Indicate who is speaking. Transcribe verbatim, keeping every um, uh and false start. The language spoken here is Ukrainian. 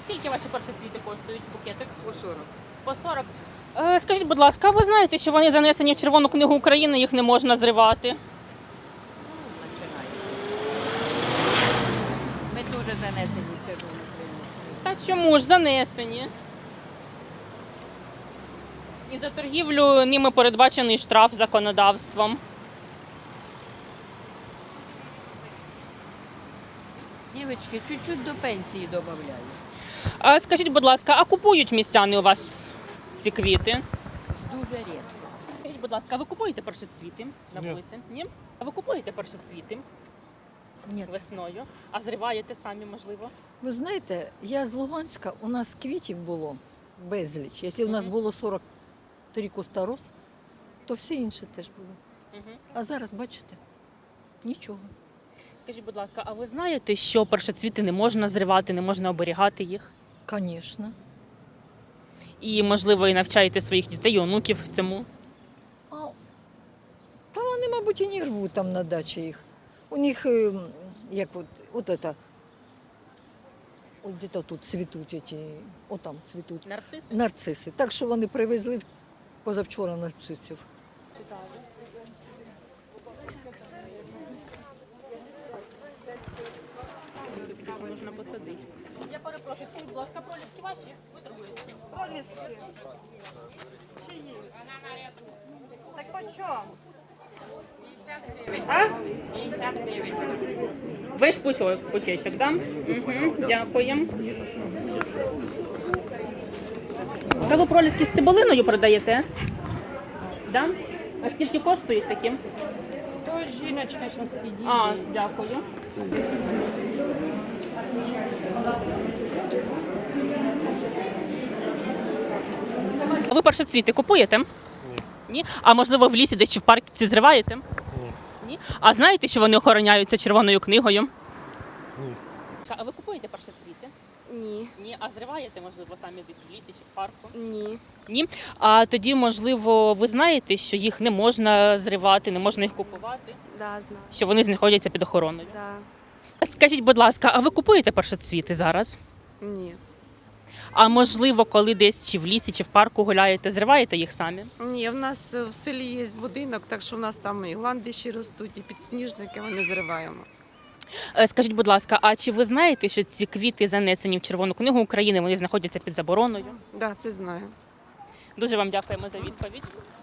Speaker 1: Скільки ваші першоцвіти коштують букетик?
Speaker 2: По сорок.
Speaker 1: По сорок. Е, скажіть, будь ласка, а ви знаєте, що вони занесені в Червону книгу України, їх не можна зривати?
Speaker 2: Ну, починаємо. Ми дуже занесені в червону книгу.
Speaker 1: Та чому ж занесені? І за торгівлю ними передбачений штраф законодавством.
Speaker 2: Дівчатки, чуть-чуть до пенсії додають.
Speaker 1: А скажіть, будь ласка, а купують містяни у вас ці квіти?
Speaker 2: Дуже рідко.
Speaker 1: Скажіть, будь ласка, а ви купуєте першоцвіти на
Speaker 3: Ні.
Speaker 1: вулиці? Ні? А ви купуєте першоцвіти
Speaker 4: Ні.
Speaker 1: весною? А зриваєте самі, можливо?
Speaker 4: Ви знаєте, я з Луганська, у нас квітів було безліч. Якщо у нас
Speaker 1: Мгм.
Speaker 4: було сорок три куста роз, то все інше теж було.
Speaker 1: Угу.
Speaker 4: А зараз, бачите, нічого.
Speaker 1: Скажіть, будь ласка, а ви знаєте, що першоцвіти не можна зривати, не можна оберігати їх?
Speaker 4: Звісно.
Speaker 1: І, можливо, і навчаєте своїх дітей і онуків цьому?
Speaker 4: А, та вони, мабуть, і не рвуть там на дачі їх. У них, е, як от, от это, от де-то тут цвітуть, эти, отам цвітуть
Speaker 1: Нарциси?
Speaker 4: нарциси. Так що вони привезли позавчора нарцисів.
Speaker 1: Можна посадити. Я перепрошую, скажіть, будь ласка, проліски ваші? Ви торгуєте?
Speaker 5: Проліски. Чиї? Так по чому?
Speaker 1: Весь пучок, пучечок, да? Угу, дякую. Та ви проліски з цибулиною продаєте? Да? А скільки коштують такі?
Speaker 5: То жіночка зараз підійде.
Speaker 1: А, дякую. А ви першоцвіти купуєте? Ні. Ні? А можливо в лісі десь чи в парку зриваєте?
Speaker 3: Ні.
Speaker 1: Ні? А знаєте, що вони охороняються червоною книгою?
Speaker 3: Ні.
Speaker 1: А ви купуєте першоцвіти?
Speaker 6: Ні,
Speaker 1: Ні. А зриваєте, можливо, самі десь в лісі чи в парку?
Speaker 6: ні.
Speaker 1: Ні. А тоді, можливо, ви знаєте, що їх не можна зривати, не можна їх купувати,
Speaker 6: Да, знаю.
Speaker 1: що вони знаходяться під охороною.
Speaker 6: Да.
Speaker 1: Скажіть, будь ласка, а ви купуєте першоцвіти зараз?
Speaker 6: Ні.
Speaker 1: А можливо, коли десь чи в лісі, чи в парку гуляєте, зриваєте їх самі?
Speaker 7: Ні, в нас в селі є будинок, так що в нас там і гландиші ростуть, і підсніжники, ми не зриваємо.
Speaker 1: Е, Скажіть, будь ласка, а чи ви знаєте, що ці квіти занесені в Червону книгу України, вони знаходяться під забороною?
Speaker 7: Так, да, це знаю.
Speaker 1: Дуже вам дякуємо за відповідь.